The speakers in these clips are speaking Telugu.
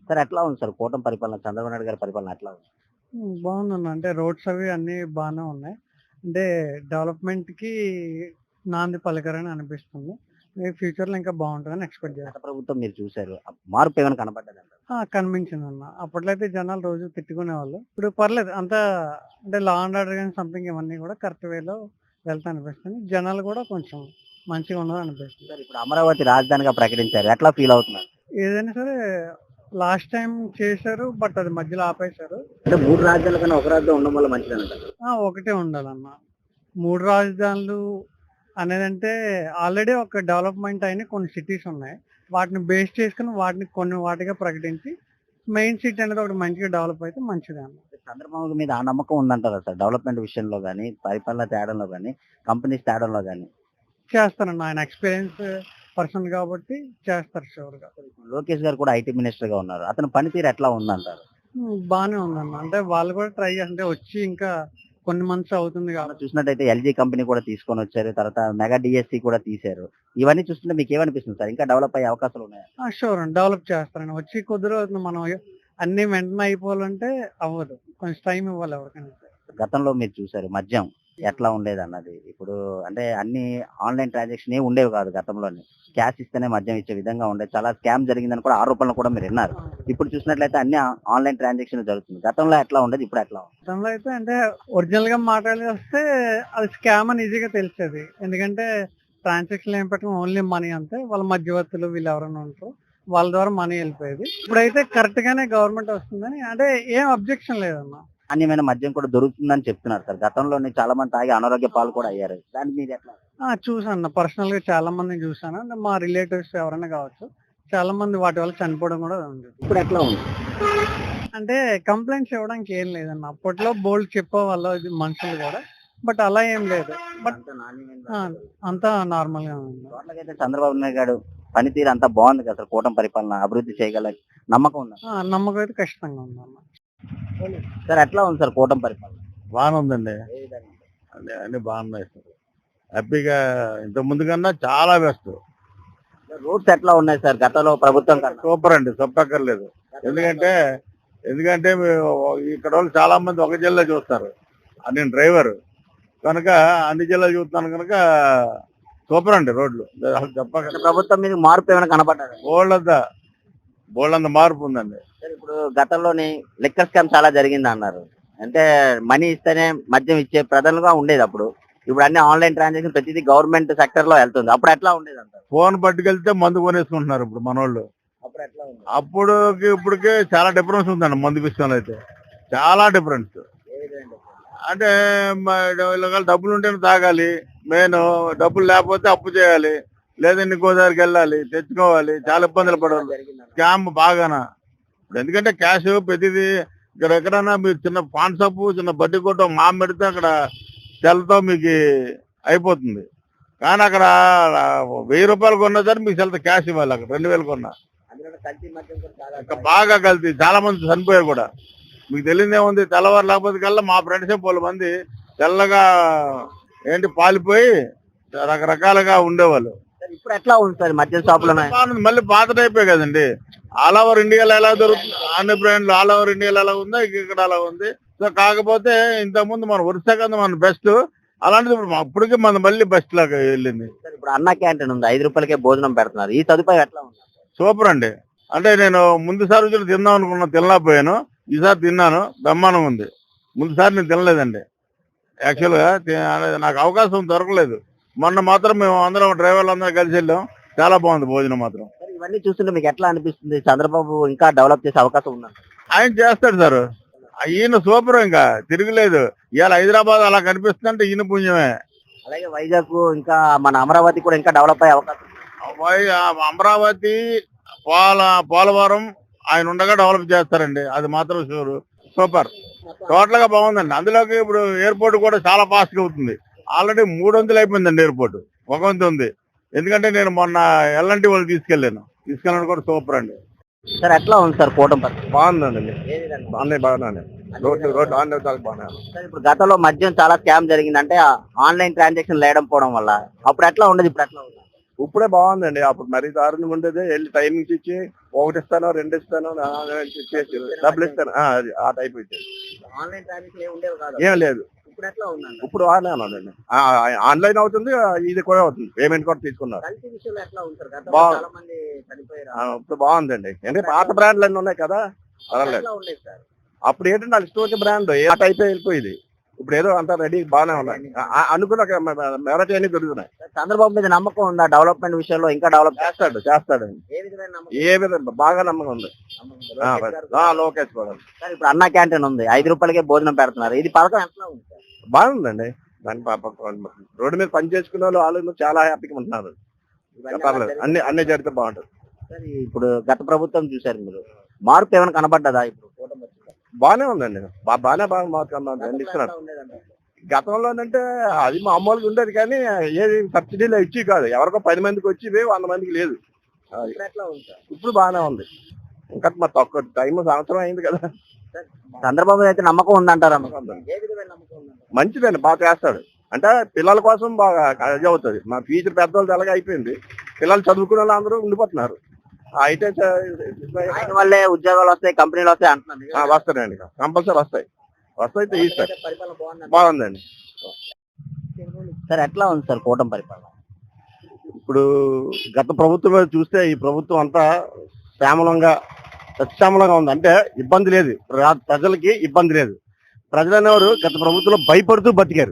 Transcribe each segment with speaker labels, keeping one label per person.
Speaker 1: సార్ ఎట్లా ఉంది సార్ కూటమి పరిపాలన, చంద్రబాబు నాయుడు గారి పరిపాలన ఎట్లా ఉంది?
Speaker 2: బాగుందన్న. అంటే రోడ్స్ అవి అన్నీ బానే ఉన్నాయి. అంటే డెవలప్‌మెంట్‌కి నాంది పలికారని అనిపిస్తుంది. ఫ్యూచర్‌లో ఇంకా బావుంటదని ఎక్స్‌పెక్ట్
Speaker 1: గత
Speaker 2: చేస్తున్నా.
Speaker 1: ప్రభుత్వం మీరు చూసారు. మార్పు ఏమైనా కనపడ్డదంటారా?
Speaker 2: కనిపించిందన్న. అప్పట్లో అయితే జనాలు రోజు తిట్టుకునేవాళ్ళు. ఇప్పుడు పర్లేదు. అంతా అంటే లా అండ్ ఆర్డర్ గాని సంథింగ్ ఇవన్నీ కూడా కరెక్ట్ వేలో వెళ్తా అనిపిస్తుంది. జనాలు కూడా కొంచెం మంచిగా ఉన్నారనిపిస్తుంది.
Speaker 1: సార్ ఇప్పుడు అమరావతి రాజధానిగా ప్రకటించారు. ఎట్లా ఫీల్ అవుతున్నారు?
Speaker 2: ఏదైనా సరే లాస్ట్ టైమ్ చేశారు. బట్ అది మధ్యలో ఆపేశారు.
Speaker 1: అంటే 3 రాజధానుల కన్నా ఒక రాజధాని ఉండడం వల్ల మంచిదనంటారు.
Speaker 2: ఒకటే ఉండాలన్న. 3 రాజధానులు అనేదంటే ఆల్రెడీ ఒక డెవలప్‌మెంట్ అయిన కొన్ని సిటీస్ ఉన్నాయి. వాటిని బేస్ చేసుకొని వాటిని కొన్ని వాటిగా ప్రకటించి మెయిన్ సిటీ అనేది ఒకటి మంచిగా డెవలప్ అయితే మంచిదే అన్న.
Speaker 1: చంద్రబాబు మీద ఆ నమ్మకం ఉందంటారా సార్? డెవలప్‌మెంట్ విషయంలో గాని, పరిపాలన తేడంలో గాని, కంపెనీస్ తేడంలో గాని.
Speaker 2: చేస్తారన్న. ఆయన ఎక్స్‌పీరియన్స్ పర్సన్ కాబట్టి చేస్తారు షూర్‌గా.
Speaker 1: లోకేష్ గారు కూడా ఐటీ మినిస్టర్‌గా ఉన్నారు. అతని పనితీరు ఎట్లా ఉందంటారు?
Speaker 2: బానే ఉందన్న. అంటే వాళ్ళు కూడా ట్రై అంటే వచ్చి ఇంకా కొన్ని మంత్స్ అవుతుంది
Speaker 1: మనం
Speaker 2: కాబట్టి.
Speaker 1: చూసినట్టయితే ఎల్‌జీ కంపెనీ కూడా తీసుకొనొచ్చారు. తర్వాత మెగా డీఎస్సీ కూడా తీశారు. ఇవన్నీ చూస్తుంటే మీకేమనిపిస్తుంది సార్? ఇంకా డెవలప్ అయ్యే అవకాశాలు ఉన్నాయా?
Speaker 2: షూర్ అండి. డెవలప్ చేస్తారండి. వచ్చి కొద్ది రోజులు మనం అన్నీ వెంటనే అయిపోవాలంటే అవ్వదు. కొంచెం టైం ఇవ్వాలి ఎవరికైనా సరే.
Speaker 1: గతంలో మీరు చూసారు మద్యం ఎట్లా ఉండేదన్నది. ఇప్పుడు అంటే అన్ని ఆన్‌లైన్ ట్రాన్సాక్షన్ ఏమి ఉండేవి కాదు గతంలోని. క్యాష్ ఇస్తేనే మద్యం ఇచ్చే విధంగా ఉండేది. చాలా స్కామ్ జరిగిందని కూడా ఆరోపణలు కూడా మీరు విన్నారు. ఇప్పుడు చూసినట్లయితే అన్ని ఆన్‌లైన్ ట్రాన్సాక్షన్ జరుగుతుంది. గతంలో ఎట్లా ఉండేది? ఇప్పుడు ఎట్లా ఉంది?
Speaker 2: గతంలో అయితే అంటే ఒరిజినల్‌గా మాట్లాడేస్తే అది స్కామ్ అని ఈజీగా తెలిసేది. ఎందుకంటే ట్రాన్సాక్షన్‌లు ఏం పెట్టడం ఓన్లీ మనీ అంతే. వాళ్ళ మధ్యవర్తులు వీళ్ళు ఎవరైనా ఉంటారో వాళ్ళ ద్వారా మనీ వెళ్ళిపోయేది. ఇప్పుడైతే కరెక్ట్ గానే గవర్నమెంట్ వస్తుందని అంటే ఏం అబ్జెక్షన్ లేదన్న.
Speaker 1: నాణ్యమైన మద్యం కూడా దొరుకుతుందని చెప్తున్నారు సార్. గతంలోనే చాలా మంది తాగి అనారోగ్య పాలు కూడా అయ్యారు. దాని మీద ఎట్లా?
Speaker 2: చూసాను. పర్సనల్‌గా చాలా మందిని చూసాను. అంటే మా రిలేటివ్స్ ఎవరైనా కావచ్చు. చాలా మంది వాటి వల్ల చనిపోవడం కూడా ఉంది.
Speaker 1: ఇప్పుడు ఎట్లా ఉంది?
Speaker 2: అంటే కంప్లెయింట్స్ ఇవ్వడానికి ఏం లేదన్న. అప్పట్లో బోల్డ్ చెప్పేవాళ్ళు ఇది మనుషులు కూడా. బట్ అలా ఏం లేదు. బట్
Speaker 1: అంత నాణ్యమైన
Speaker 2: ఆ! అంతా నార్మల్‌గా ఉంది.
Speaker 1: టోటల్‌గా చంద్రబాబు నాయుడు గారు పనితీరు అంతా బాగుంది కదా సార్. కూటమి పరిపాలన అభివృద్ధి చేయగల నమ్మకం ఉందా?
Speaker 2: నమ్మకం అయితే ఖచ్చితంగా ఉందన్న.
Speaker 1: సార్ ఎట్లా ఉంది సార్ కూటమి పరిపాలన?
Speaker 3: బాగానే ఉందండి.
Speaker 1: ఏ విధంగా?
Speaker 3: అన్ని బాగున్నాయి సార్. హ్యాపీగా ఇంత ముందు కన్నా చాలా బెస్ట్.
Speaker 1: రూట్స్ ఎట్లా ఉన్నాయి సార్ గతంలో ప్రభుత్వం కన్నా?
Speaker 3: సూపర్ అండి, చెప్పక్కర్లేదు. ఎందుకంటే ఎందుకంటే ఇక్కడ వాళ్ళు చాలా మంది ఒక జిల్లా చూస్తారు. నేను డ్రైవర్ కనుక అన్ని జిల్లాలు చూస్తున్నాను కనుక సూపర్ అండి రోడ్లు. అసలు
Speaker 1: గత
Speaker 3: చెప్పక్కర్లేదు.
Speaker 1: ప్రభుత్వం మీద మార్పు ఏమైనా కనపడ్డారు?
Speaker 3: బోళ్ళంత మార్పు ఉందండి.
Speaker 1: సార్ ఇప్పుడు గతంలోని లిక్కర్ స్కామ్ చాలా జరిగింది అన్నారు. అంటే మనీ ఇస్తేనే మద్యం ఇచ్చే ప్రజలుగా ఉండేది అప్పుడు. ఇప్పుడు అన్ని ఆన్లైన్ ట్రాన్సాక్షన్ ప్రతిదీ గవర్నమెంట్ సెక్టర్ లో వెళ్తుంది. అప్పుడు ఎట్లా ఉండేది అంటారు?
Speaker 3: ఫోన్ పట్టుకెళ్తే మందు కొనేసుకుంటున్నారు ఇప్పుడు మనోళ్ళు.
Speaker 1: అప్పుడు ఎట్లా ఉంది?
Speaker 3: అప్పుడుకి ఇప్పటికే చాలా డిఫరెన్స్ ఉందండి మందు విషయంలో అయితే. చాలా డిఫరెన్స్.
Speaker 1: ఏ విధంగా?
Speaker 3: అంటే వీళ్ళ డబ్బులు ఉంటేనే తాగాలి. మెయిన్ డబ్బులు లేకపోతే అప్పు చేయాలి. లేదంటే ఇంకో దగ్గరికి వెళ్ళాలి, తెచ్చుకోవాలి. చాలా ఇబ్బందులు పడాలి.
Speaker 1: జరిగిందన్న.
Speaker 3: స్కామ్ బాగానా. ఇప్పుడు ఎందుకంటే క్యాష్ ప్రతిదీ ఇక్కడ ఎక్కడైనా మీరు చిన్న పాన్ షాపు, చిన్న బడ్డీ కొట్టు మామ పెడితే అక్కడ సెల్తో మీకు అయిపోతుంది. కానీ అక్కడ 1000 రూపాయలు కొన్నా సరే మీకు సెల్తో క్యాష్ ఇవ్వాలి. అక్కడ 2000 కొన్నా
Speaker 1: అందులో కల్తీ మద్యం కూడా చాలా
Speaker 3: ఇంకా బాగా కల్తీ. చాలా మంది చనిపోయారు కూడా. మీకు తెలియదేముంది, తెల్లవారు లేకపోతే కల్లా మా ఫ్రెండ్సే 10 మంది తెల్లగా పాలిపోయి రకరకాలుగా ఉండేవాళ్ళు.
Speaker 1: సార్ ఇప్పుడు ఎట్లా ఉంది సార్ మద్యం షాపులు ఉన్నాయి?
Speaker 3: బాగుంది. మళ్ళీ పాత టైపే కదండి. ఆల్ ఓవర్ ఇండియాలో ఎలా దొరుకుతుంది, అన్ని బ్రాండ్లు ఆల్ ఓవర్ ఇండియాలో ఎలా ఉందో ఇక్కడ అలా ఉంది. సో కాకపోతే ఇంతకుముందు మన వరుస కదా మన బెస్ట్, అలాంటిది ఇప్పుడు అప్పటికే మన మళ్ళీ బెస్ట్ లాగా వెళ్ళింది.
Speaker 1: సార్ ఇప్పుడు అన్న క్యాంటీన్ ఉంది. 5 రూపాయలకే భోజనం పెడుతున్నారు. ఈ సదుపాయం ఎట్లా ఉంది?
Speaker 3: సూపర్ అండి. అంటే నేను ముందుసారి వచ్చి తిందాం అనుకున్నా, తినలేకపోయాను. ఈసారి తిన్నాను, బ్రహ్మాండం ఉంది. ముందుసారి నేను తినలేదండి. యాక్చువల్గా నాకు అవకాశం దొరకలేదు. మొన్న మాత్రం మేము అందరం డ్రైవర్లు అందరం కలిసి వెళ్ళాం. చాలా బాగుంది భోజనం మాత్రం.
Speaker 1: సార్ ఇవన్నీ చూస్తుంటే మీకు ఎట్లా అనిపిస్తుంది? చంద్రబాబు ఇంకా డెవలప్ చేసే అవకాశం ఉందంట?
Speaker 3: ఆయన చేస్తాడు సార్. ఈయన సూపర్, ఇంకా తిరగలేదు. ఇవాళ హైదరాబాద్ అలా కనిపిస్తుందంటే ఈయన పుణ్యమే.
Speaker 1: అలాగే వైజాగ్ ఇంకా మన అమరావతి కూడా ఇంకా డెవలప్ అయ్యే అవకాశం ఉంది.
Speaker 3: అమరావతి, పోలవరం ఆయన ఉండగా డెవలప్ చేస్తారండి. అది మాత్రం షూర్. సూపర్, టోటల్ గా బాగుందండి. అందులోకి ఇప్పుడు ఎయిర్పోర్ట్ కూడా చాలా ఫాస్ట్ గా అవుతుంది. ఆల్రెడీ 3 వంతులు అయిపోయిందండి ఎయిర్పోర్ట్. 1 వంతు ఉంది. ఎందుకంటే నేను మొన్న ఎల్ఎన్టీ వాళ్ళు తీసుకెళ్ళాను కూడా సూపర్ అండి.
Speaker 1: సార్ ఎట్లా ఉంది సార్ కూటమి పరిస్థితి?
Speaker 3: బాగుందండి.
Speaker 1: ఏ విధంగా?
Speaker 3: అన్నీ బాగున్నాయి. రోడ్డు ఆన్లైన్ బాగున్నాయి.
Speaker 1: సార్ ఇప్పుడు గతంలో మద్యం చాలా స్కామ్ జరిగింది. అంటే ఆన్లైన్ ట్రాన్సాక్షన్ లేడం పోవడం వల్ల. అప్పుడు ఎట్లా ఉండదు, ఇప్పుడు ఎట్లా ఉంది?
Speaker 3: ఇప్పుడే బాగుందండి. అప్పుడు మరీ దారుణంగా ఉండేది. వెళ్ళి టైమింగ్స్ ఇచ్చి 1 ఇస్తాను 2 ఇస్తాను ఇచ్చేసి డబ్బులు ఇస్తాను అది ఆ టైప్ ఇచ్చేది.
Speaker 1: ఆన్లైన్ ట్రాన్సాక్షన్ ఉండేవి కాదు.
Speaker 3: ఏం లేదు.
Speaker 1: ఇప్పుడు ఎట్లా ఉందండి?
Speaker 3: ఇప్పుడు బాగానే ఉన్నదండి. ఆన్లైన్ అవుతుంది, ఇది కూడా అవుతుంది, పేమెంట్ కూడా తీసుకున్నారు.
Speaker 1: కల్తీ విషయంలో ఎట్లా ఉంటారు? చాలా మంది చనిపోయారు.
Speaker 3: ఇప్పుడు బాగుందండి. అంటే పాత బ్రాండ్లు అన్ని ఉన్నాయి కదా, పర్వాలేదు.
Speaker 1: ఎట్లా ఉండేది సార్?
Speaker 3: అప్పుడు ఏంటంటే వాళ్ళు ఇష్టం వచ్చే బ్రాండ్ ఏ టైప్ వెళ్ళిపోయింది. ఇప్పుడు ఏదో అంతా రెడీ బాగానే ఉన్నాయి. అనుకున్న మెరటి అన్ని దొరుకుతున్నాయి.
Speaker 1: చంద్రబాబు మీద నమ్మకం ఉందా డెవలప్మెంట్ విషయంలో? ఇంకా డెవలప్
Speaker 3: చేస్తాడండి.
Speaker 1: ఏ విధమైన నమ్మకం?
Speaker 3: ఏ విధంగా బాగా నమ్మకం ఉంది. లోకేష్ కూడా
Speaker 1: సార్ ఇప్పుడు అన్న క్యాంటీన్ ఉంది, 5 రూపాయలకే భోజనం పెడుతున్నారు. ఇది పథకం ఎట్లా ఉంది సార్?
Speaker 3: బాగుందండి. దాని రోడ్డు మీద పని చేసుకునే వాళ్ళు చాలా హ్యాపీగా ఉంటున్నారు. పర్లేదు, అన్ని జరిగితే బాగుంటుంది.
Speaker 1: సార్ ఇప్పుడు గత ప్రభుత్వం చూసారు మీరు, మార్పు ఏమైనా కనబడ్డదా? ఇప్పుడు కూటమి వచ్చిందా?
Speaker 3: బాగానే ఉందండి. బాగా మార్కున్నాను ఇస్తున్నాడు. గతంలోనంటే అది మామూలుగా ఉండేది, కానీ ఏది సబ్సిడీలో ఇచ్చి కాదు, ఎవరికో 10 మందికి వచ్చి 100 మందికి లేదు. ఇప్పుడు బాగానే ఉంది. ఇంకా మరి తక్కువ టైం, సంవత్సరం అయింది కదా.
Speaker 1: చంద్రబాబు అయితే నమ్మకం ఉందంటారా?
Speaker 3: మంచిదండి, బాగా చేస్తాడు. అంటే పిల్లల కోసం బాగా ఇది అవుతుంది. మా ఫ్యూచర్ పెద్దవాళ్ళు ఎలాగ అయిపోయింది, పిల్లలు చదువుకునే వాళ్ళు అందరూ ఉండిపోతున్నారు. అయితే
Speaker 1: ఆయన వల్లే ఉద్యోగాలు వస్తాయి, కంపెనీలు వస్తాయి అంటున్నారు.
Speaker 3: వస్తాయండి, కంపల్సరీ వస్తాయి తీస్తారు. బాగుందండి.
Speaker 1: సార్ ఎట్లా ఉంది సార్ కూటమి పరిపాలన?
Speaker 3: ఇప్పుడు గత ప్రభుత్వం మీద చూస్తే ఈ ప్రభుత్వం అంతా సత్యామలంగా ఉంది. అంటే ఇబ్బంది లేదు, ప్రజలకి ఇబ్బంది లేదు. ప్రజలు అనేవారు గత ప్రభుత్వంలో భయపడుతూ బతికారు.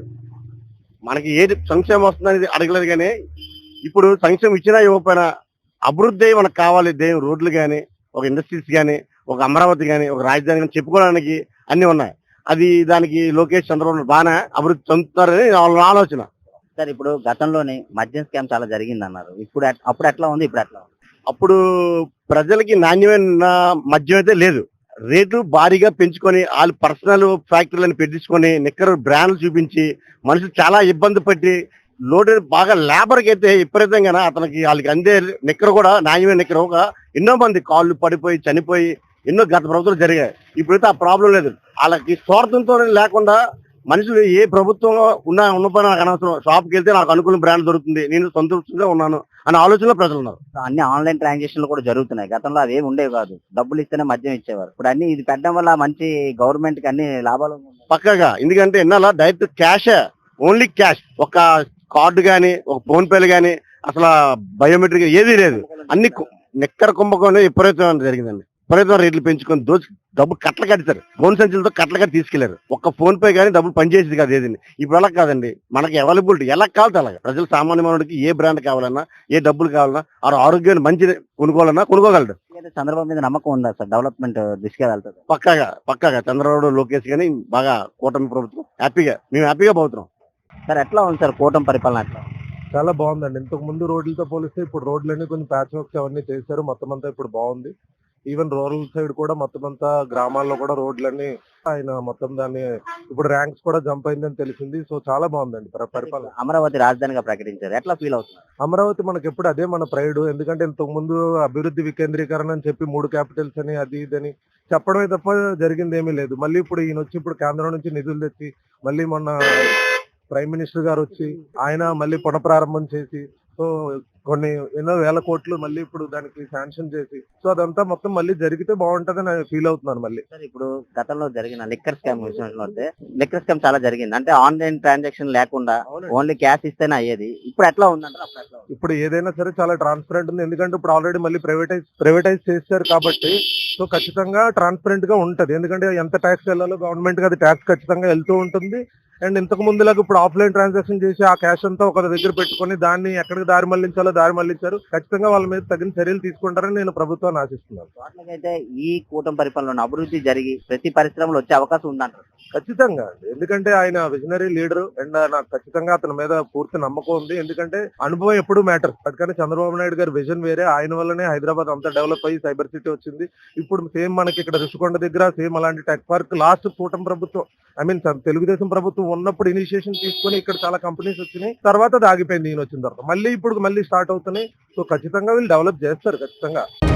Speaker 3: మనకి ఏది సంక్షేమం వస్తుందనేది అడగలేదు, కానీ ఇప్పుడు సంక్షేమం ఇచ్చినా ఇవ్వకపోయినా అభివృద్ధి మనకు కావాలి. రోడ్లు కానీ, ఒక ఇండస్ట్రీస్ కానీ, ఒక అమరావతి కానీ, ఒక రాజధాని కానీ చెప్పుకోవడానికి అన్ని ఉన్నాయి. అది దానికి లోకేష్ చంద్రబాబు బాగానే అభివృద్ధి చెందుతున్నారని వాళ్ళ ఆలోచన.
Speaker 1: సార్ ఇప్పుడు గతంలోనే మద్యం స్కామ్ చాలా జరిగింది అన్నారు. అప్పుడు ఎట్లా ఉంది, ఇప్పుడు ఎట్లా ఉంది?
Speaker 3: అప్పుడు ప్రజలకి నాణ్యమైన మద్యం అయితే లేదు. రేటు భారీగా పెంచుకొని వాళ్ళు పర్సనల్ ఫ్యాక్టరీలను పెట్టించుకొని నిక్కర్ బ్రాండ్లు చూపించి మనుషులు చాలా ఇబ్బంది పట్టి లోడ్ బాగా లేబర్కి అయితే విపరీతంగా అతనికి వాళ్ళకి అందే నిక్కర కూడా నాణ్యమైన నిక్కర ఒక ఎన్నో మంది కాళ్ళు పడిపోయి చనిపోయి ఎన్నో గత ప్రభుత్వాలు జరిగాయి. ఇప్పుడైతే ఆ ప్రాబ్లం లేదు. వాళ్ళకి స్వార్థంతో లేకుండా మనుషులు ఏ ప్రభుత్వంలో ఉన్నపైన నాకు అనవసరం, షాప్కి వెళ్తే నాకు అనుకూల బ్రాండ్ దొరుకుతుంది, నేను సంతృప్తిగా ఉన్నాను అనే ఆలోచనలో ప్రజలు ఉన్నారు.
Speaker 1: అన్ని ఆన్లైన్ ట్రాన్సాక్షన్లు కూడా జరుగుతున్నాయి. గతంలో అవి ఏమి ఉండేవి కాదు, డబ్బులు ఇస్తేనే మద్యం ఇచ్చేవారు. ఇప్పుడు అన్ని ఇది పెట్టడం వల్ల మంచి గవర్నమెంట్ కి అన్ని లాభాలు
Speaker 3: పక్కగా. ఎందుకంటే ఎన్నాళ్ళ డైరెక్ట్ క్యాష్, ఓన్లీ క్యాష్, ఒక కార్డు గానీ, ఒక ఫోన్ పేలు గానీ, అసలు బయోమెట్రిక్ ఏదీ లేదు. అన్ని నిక్కర కుంభకోణం విపరీతం జరిగిందండి. విపరీతం రేట్లు పెంచుకొని డబ్బు కట్టలు కట్టారు. ఫోన్ సంచులతో కట్టలు కట్టి తీసుకెళ్లారు. ఒక్క ఫోన్ పే కానీ డబ్బులు పనిచేసేది కాదు ఏదండి. ఇప్పుడు ఎలా కాదండి, మనకి అవైలబిలిటీ ఎలా కావాలి అలాగా. ప్రజలు సామాన్య మానవుడికి ఏ బ్రాండ్ కావాలన్నా, ఏ డబ్బులు కావాలన్నా, ఆ ఆరోగ్యాన్ని మంచి కొనుక్కోగలడు.
Speaker 1: చంద్రబాబు మీద నమ్మకం ఉందా సార్? డెవలప్మెంట్ దిశగా వెళ్తుంది
Speaker 3: పక్కాగా చంద్రబాబు లోకేష్ గానీ బాగా కూటమి ప్రభుత్వం మేము హ్యాపీగా పోతున్నాం.
Speaker 1: సార్ ఎట్లా ఉంది సార్ కూటమి పరిపాలన? ఎట్లా?
Speaker 4: చాలా బాగుందండి. ఇంతకు ముందు రోడ్లతో పోలిస్తే ఇప్పుడు రోడ్లన్నీ కొంచెం ప్యాచ్ వర్క్స్ అవన్నీ చేశారు. మొత్తం అంతా ఇప్పుడు బాగుంది. ఈవెన్ రూరల్ సైడ్ కూడా మొత్తం అంతా గ్రామాల్లో కూడా రోడ్లన్నీ ఆయన మొత్తం దాన్ని ఇప్పుడు ర్యాంక్స్ కూడా జంప్ అయిందని తెలిసింది. సో చాలా బాగుందండి పరిపాలన.
Speaker 1: అమరావతి రాజధానిగా ప్రకటించారు, ఎట్లా ఫీల్ అవుతున్నారు?
Speaker 4: అమరావతి మనకి ఎప్పుడు అదే మన ప్రైడ్. ఎందుకంటే ఇంతకు ముందు అభివృద్ధి వికేంద్రీకరణ అని చెప్పి 3 క్యాపిటల్స్ అని అది ఇదని చెప్పడమే తప్ప జరిగింది ఏమీ లేదు. మళ్ళీ ఇప్పుడు ఈయన వచ్చి ఇప్పుడు కేంద్రం నుంచి నిధులు తెచ్చి మళ్ళీ మొన్న ప్రైమ్ మినిస్టర్ గారు వచ్చి ఆయన మళ్ళీ పునఃప్రారంభం చేసి సో కొన్ని ఎన్నో వేల కోట్లు మళ్ళీ ఇప్పుడు దానికి శాంక్షన్ చేసి సో అదంతా మొత్తం మళ్ళీ జరిగితే బాగుంటదని నేను ఫీల్ అవుతున్నాను. మళ్ళీ
Speaker 1: సార్ ఇప్పుడు గతంలో జరిగిన లిక్కర్ స్కామ్ విషయంలో వస్తే లిక్కర్ స్కామ్ చాలా జరిగింది. అంటే ఆన్లైన్ ట్రాన్సాక్షన్ లేకుండా ఓన్లీ క్యాష్ ఇస్తేనే అయ్యేది. ఇప్పుడు ఎట్లా ఉందంటే
Speaker 4: ఇప్పుడు ఏదైనా సరే చాలా ట్రాన్స్పరెంట్ ఉంది. ఎందుకంటే ఇప్పుడు ఆల్రెడీ మళ్ళీ ప్రైవేటైజ్ చేశారు కాబట్టి సో ఖచ్చితంగా ట్రాన్స్పరెంట్ గా ఉంటది. ఎందుకంటే ఎంత ట్యాక్స్ వెళ్ళాలో గవర్నమెంట్ కి అది ట్యాక్స్ ఖచ్చితంగా వెళ్తూ ఉంటుంది. అండ్ ఇంతకు ముందులాగా ఇప్పుడు ఆఫ్లైన్ ట్రాన్సాక్షన్ చేసి ఆ క్యాష్ అంతా ఒక దగ్గర పెట్టుకుని దాన్ని ఎక్కడికి దారి మళ్లించారు. ఖచ్చితంగా వాళ్ళ మీద తగిన చర్యలు తీసుకుంటారని నేను ప్రభుత్వాన్ని ఆశిస్తున్నాను.
Speaker 1: అయితే ఈ కూటమి పరిపాలన అభివృద్ధి జరిగి ప్రతి పరిశ్రమలో వచ్చే అవకాశం ఉందంటారు?
Speaker 4: ఖచ్చితంగా. ఎందుకంటే ఆయన విజనరీ లీడర్ అండ్ నాకు ఖచ్చితంగా అతని మీద పూర్తి నమ్మకం ఉంది. ఎందుకంటే అనుభవం ఎప్పుడు మ్యాటర్. అందుకని చంద్రబాబు నాయుడు గారి విజన్ వేరే. ఆయన వల్లనే హైదరాబాద్ అంతా డెవలప్ అయ్యి సైబర్ సిటీ వచ్చింది. ఇప్పుడు సేమ్ మనకి ఇక్కడ రుషికొండ దగ్గర సేమ్ అలాంటి టెక్ పార్క్ లాస్ట్ కూటమి ప్రభుత్వం తెలుగుదేశం ప్రభుత్వం ఉన్నప్పుడు ఇనిషియేషన్ తీసుకుని ఇక్కడ చాలా కంపెనీస్ వచ్చినాయి. తర్వాత అది ఆగిపోయింది ఈయన వచ్చిన తర్వాత. మళ్ళీ ఇప్పుడు స్టార్ట్ అవుతున్నాయి. సో ఖచ్చితంగా వీళ్ళు డెవలప్ చేస్తారు ఖచ్చితంగా.